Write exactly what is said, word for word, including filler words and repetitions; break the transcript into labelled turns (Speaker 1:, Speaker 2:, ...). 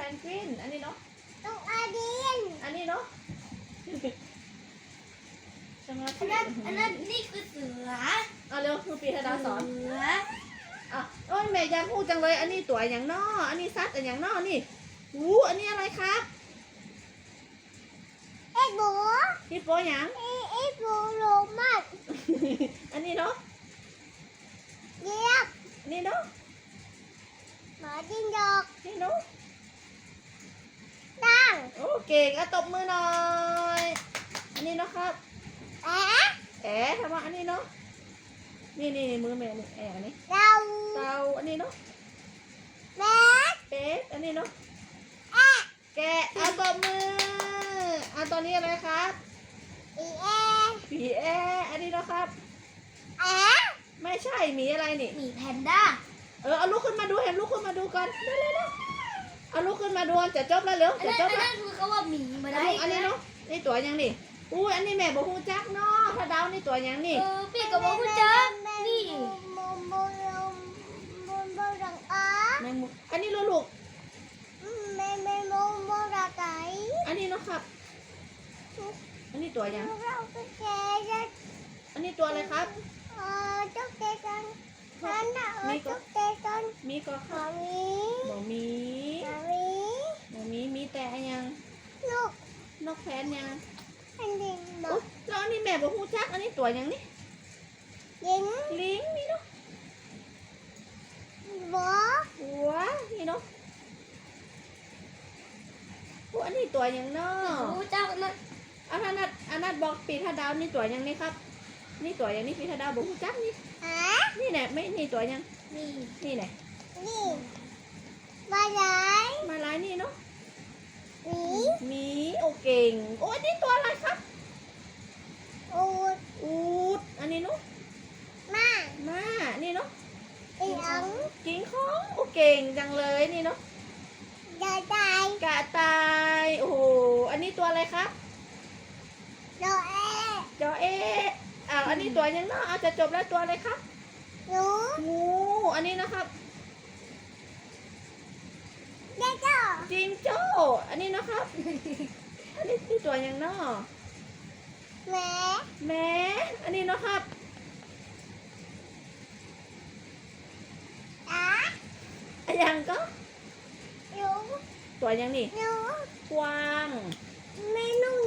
Speaker 1: นกวินอันนี้เนาะ
Speaker 2: นกอาดิน
Speaker 1: อันนี้เนาะสมา
Speaker 2: อั
Speaker 1: ธิ
Speaker 2: นนั้นอันนั้นนี่คือเสือ
Speaker 1: เอาเร็วครูปีธดาสอน
Speaker 2: เสือ
Speaker 1: อ่ะโอ้ยแม่ยังพูดจังเลยอันนี้ตัวอย่างนออันนี้ซัดอันอย่างนอนี่หูอันนี้อะไรครับ
Speaker 2: เอ็ดบู
Speaker 1: ฮิปโปอย่าง
Speaker 2: เอ็ดเอ็ดบูโรมัส
Speaker 1: อันนี้เนาะ
Speaker 2: เยียบ
Speaker 1: อันนี้เนาะ
Speaker 2: หมาจิ้งจอก
Speaker 1: นี่เนาะ
Speaker 2: ตั้ง
Speaker 1: โอ้เก่งอ่ะตบมือหน่อยอันนี้เนาะครับ
Speaker 2: แอะ
Speaker 1: แอ๋ทำว่าอันนี้เนาะนี่นี่มือแม่นี่แอ๋อันนี้
Speaker 2: เรา
Speaker 1: เตาอันนี้เนาะ
Speaker 2: แม่
Speaker 1: เป็ดอันนี้เนาะ
Speaker 2: แอะ
Speaker 1: แกะอ่ะตบมืออ่ะตอนนี้อะไรครับ
Speaker 2: อีเอ
Speaker 1: ผีแออันนี้เนาะครับ
Speaker 2: แอะ
Speaker 1: ไม่ใช่หมีอะไรนี่
Speaker 2: หมีแพนด้า
Speaker 1: เออเอาลุกขึ้นมาดูเห็นลุกขึ้นมาดูก่อนเร็วเร็วเร็วเอาลุกขึ้นมาดูจะจบแล้วเร็ว
Speaker 2: อัน
Speaker 1: จะ
Speaker 2: นั้น
Speaker 1: จ
Speaker 2: อั
Speaker 1: บ
Speaker 2: น
Speaker 1: แล้ว
Speaker 2: นั้นคือเขาว่าหมีมาได้
Speaker 1: อันนี้เนาะนี่ตัวยังนี่อุ้ยอันนี้แม่บอกฮูจักเนาะถ้าดาวนี่ตัวยังนี่
Speaker 2: เออพี่กับว่าคุณเจอนี่โมโมโรโมโมรังอา
Speaker 1: แมงมุมอันนี้ลูก
Speaker 2: แม่แม่โมโมรังไก่
Speaker 1: อันนี้เนาะครับ อันนี้ตัวยัง
Speaker 2: เราไปแกจะ
Speaker 1: อันนี้ตัวอะไรครับ
Speaker 2: เออจุกเตกันฉันน่ะเออจุกเตกัน
Speaker 1: มีก็ค
Speaker 2: หมา
Speaker 1: รับ
Speaker 2: มี
Speaker 1: บ่มี
Speaker 2: หมามี
Speaker 1: บ่มีมีแต่อันยัง
Speaker 2: ลูก
Speaker 1: นกแพนยัง
Speaker 2: อันดินบอ
Speaker 1: อุ๊
Speaker 2: ก
Speaker 1: ยแล้วอันนี้แม่บอกฮูจักอันนี้ตัวยังนี่
Speaker 2: ยิง
Speaker 1: ลิงนี่เนาะ
Speaker 2: บอก
Speaker 1: หัวนี่เนาะอุ๊ยอันนี้ตัวยังเนาะ
Speaker 2: รู้เจ้านะ
Speaker 1: อันนั้นน่ะอันนั้นบอกปีถ้าดาวนี่ตัวยังนี่ครับ นี่ตัวยังนี่ปีถ้าดาวบอกฮูจักนี่
Speaker 2: ฮะ
Speaker 1: นี่แหละไม่นี่ตัวยัง
Speaker 2: นี่
Speaker 1: นี่แหละ
Speaker 2: นี่มาไหน
Speaker 1: มาลายนี่เนาะ
Speaker 2: หมี
Speaker 1: หมีโอเก่งโอ้ยนี่ตัวอะไรครับ
Speaker 2: อูด
Speaker 1: อูดอันนี้เนาะ
Speaker 2: มา
Speaker 1: ม้านี่เนาะ
Speaker 2: อีอัง
Speaker 1: กิ้งของโอเก่งจังเลยนี่เนาะ
Speaker 2: ยาตาย
Speaker 1: กระต่ายโอ้โหอันนี้ตัวอะไรครับ
Speaker 2: โดเอ
Speaker 1: จอเออ้าวอันนี้ตัวยังเนาะเอาจะจบแล้วตัวอะไรครับ
Speaker 2: หนู
Speaker 1: งูอันนี้นะครับ
Speaker 2: เด็กเจ้า
Speaker 1: จิงโจ้อันนี้นะครับ อันนี้ที่ตัวยังเนาะ
Speaker 2: แม่
Speaker 1: แม่อันนี้เนาะครับ
Speaker 2: ตา
Speaker 1: อันยังก็
Speaker 2: หนู
Speaker 1: ตัวยังนี่
Speaker 2: หนู
Speaker 1: กวาง
Speaker 2: แม่นุ่ง